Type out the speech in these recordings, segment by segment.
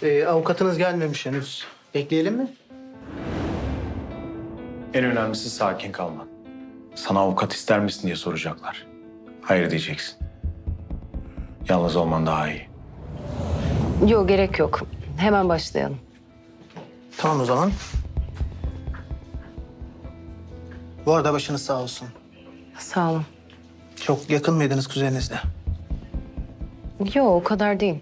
Avukatınız gelmemiş henüz. Bekleyelim mi? En önemlisi sakin kalman. Sana avukat ister misin diye soracaklar. Hayır diyeceksin. Yalnız olman daha iyi. Yok, gerek yok. Hemen başlayalım. Tamam o zaman. Bu arada başınız sağ olsun. Sağ olun. Çok yakın mıydınız kuzeninizle? Yok, o kadar değil.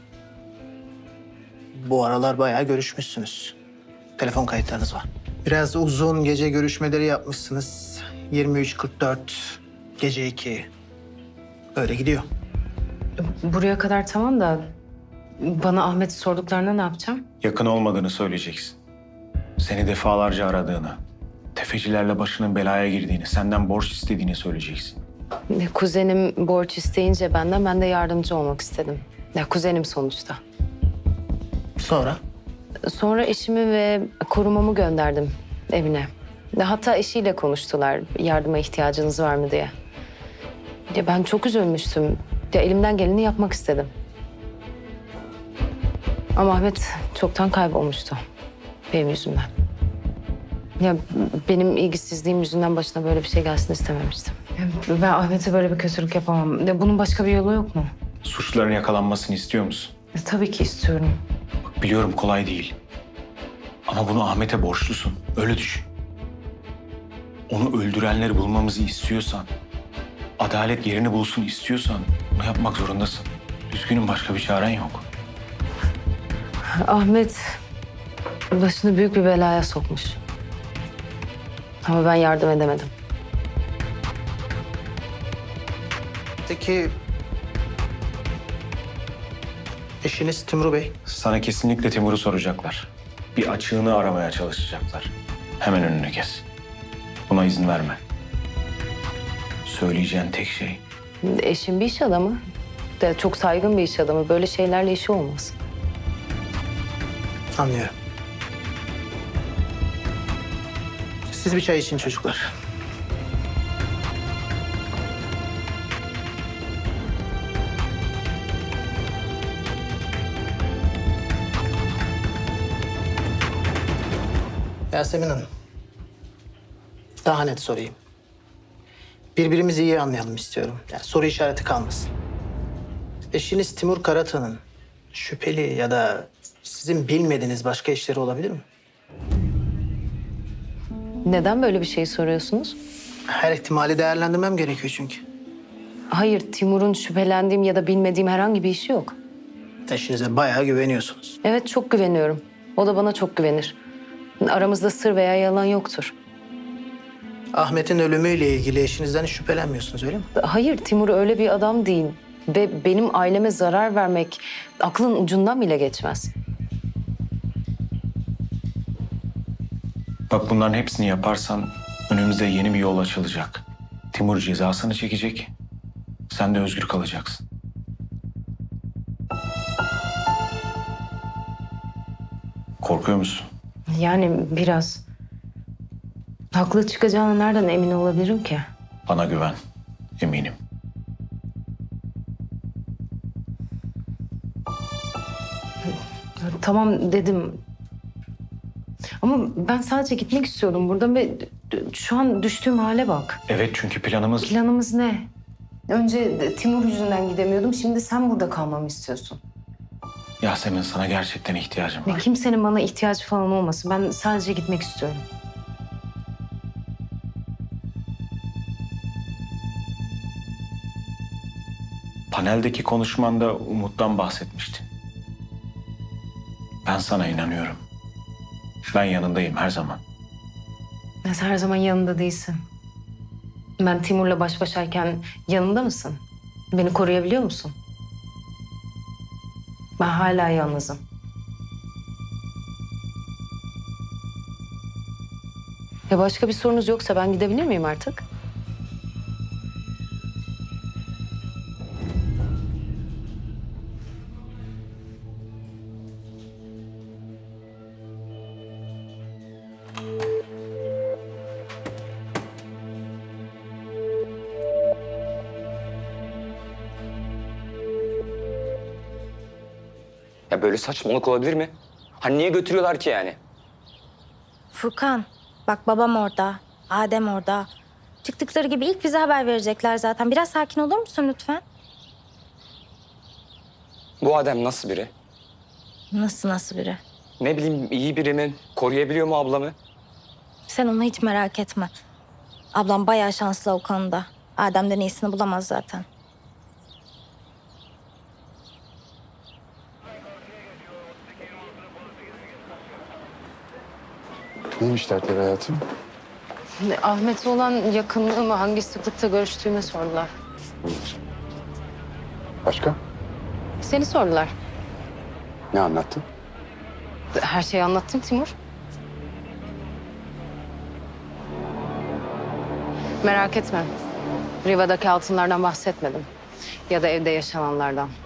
Bu aralar bayağı görüşmüşsünüz. Telefon kayıtlarınız var. Biraz uzun gece görüşmeleri yapmışsınız. 23.44, gece 2. Öyle gidiyor. Buraya kadar tamam da bana Ahmet'i sorduklarında ne yapacağım? Yakın olmadığını söyleyeceksin. Seni defalarca aradığını, tefecilerle başının belaya girdiğini, senden borç istediğini söyleyeceksin. Kuzenim borç isteyince ben de yardımcı olmak istedim. Ya kuzenim sonuçta. Sonra? Sonra eşimi ve korumamı gönderdim evine. Hatta eşiyle konuştular yardıma ihtiyacınız var mı diye. Ya ben çok üzülmüştüm. Ya elimden geleni yapmak istedim. Ama Ahmet çoktan kaybolmuştu benim yüzümden. Ya benim ilgisizliğim yüzünden başına böyle bir şey gelsin istememiştim. Ya ben Ahmet'e böyle bir kötülük yapamam. Ya bunun başka bir yolu yok mu? Suçluların yakalanmasını istiyor musun? Tabii ki istiyorum. Bak biliyorum kolay değil. Ama bunu Ahmet'e borçlusun. Öyle düşün. Onu öldürenleri bulmamızı istiyorsan, adalet yerini bulsun istiyorsan bunu yapmak zorundasın. Üzgünüm, başka bir çaren yok. Ahmet başını büyük bir belaya sokmuş. Ama ben yardım edemedim. Peki eşiniz Timur Bey? Sana kesinlikle Timur'u soracaklar. Bir açığını aramaya çalışacaklar. Hemen önünü kes. Buna izin verme. Söyleyeceğin tek şey Eşim bir iş adamı. De çok saygın bir iş adamı. Böyle şeylerle işi olmaz. Anlıyorum. Siz bir çay için çocuklar. Yasemin Hanım. Daha net sorayım. Birbirimizi iyi anlayalım istiyorum. Yani soru işareti kalmasın. Eşiniz Timur Karatan'ın şüpheli ya da sizin bilmediğiniz başka işleri olabilir mi? Neden böyle bir şey soruyorsunuz? Her ihtimali değerlendirmem gerekiyor çünkü. Hayır, Timur'un şüphelendiğim ya da bilmediğim herhangi bir işi yok. Eşinize bayağı güveniyorsunuz. Evet, çok güveniyorum. O da bana çok güvenir. Aramızda sır veya yalan yoktur. Ahmet'in ölümüyle ilgili eşinizden hiç şüphelenmiyorsunuz öyle mi? Hayır, Timur öyle bir adam değil. Ve benim aileme zarar vermek aklın ucundan bile geçmez. bak, bunların hepsini yaparsan önümüzde yeni bir yol açılacak. Timur cezasını çekecek. Sen de özgür kalacaksın. Korkuyor musun? Yani biraz. Haklı çıkacağına nereden emin olabilirim ki? Bana güven. Eminim. Tamam dedim. Ama ben sadece gitmek istiyorum buradan ve şu an düştüğüm hale bak. Evet, çünkü planımız... Planımız ne? Önce Timur yüzünden gidemiyordum. Şimdi sen burada kalmamı istiyorsun. Yasemin, sana gerçekten ihtiyacım Ve var. kimsenin bana ihtiyacı falan olmasın. Ben sadece gitmek istiyorum. Paneldeki konuşmanda Umut'tan bahsetmiştin. Ben sana inanıyorum. Ben yanındayım her zaman. Sen her zaman yanında değilsin. Ben Timur'la baş başayken yanında mısın? Beni koruyabiliyor musun? Ben hala yalnızım. Ya başka bir sorunuz yoksa ben gidebilir miyim artık? Ya böyle saçmalık olabilir mi? Hani niye götürüyorlar ki yani? Furkan, bak babam orada, Adem orada. Çıktıkları gibi ilk bize haber verecekler zaten. Biraz sakin olur musun lütfen? Bu Adem nasıl biri? Nasıl biri? Ne bileyim iyi biri mi? Koruyabiliyor mu ablamı? Sen onu hiç merak etme. Ablam bayağı şanslı o konuda. Adem'den iyisini bulamaz zaten. Neymiş dertleri hayatım? Ahmet'e olan yakınlığımı, hangi sıklıkta görüştüğümü sordular. Başka? Seni sordular. Ne anlattın? Her şeyi anlattım Timur. Merak etme. Riva'daki altınlardan bahsetmedim. Ya da evde yaşananlardan.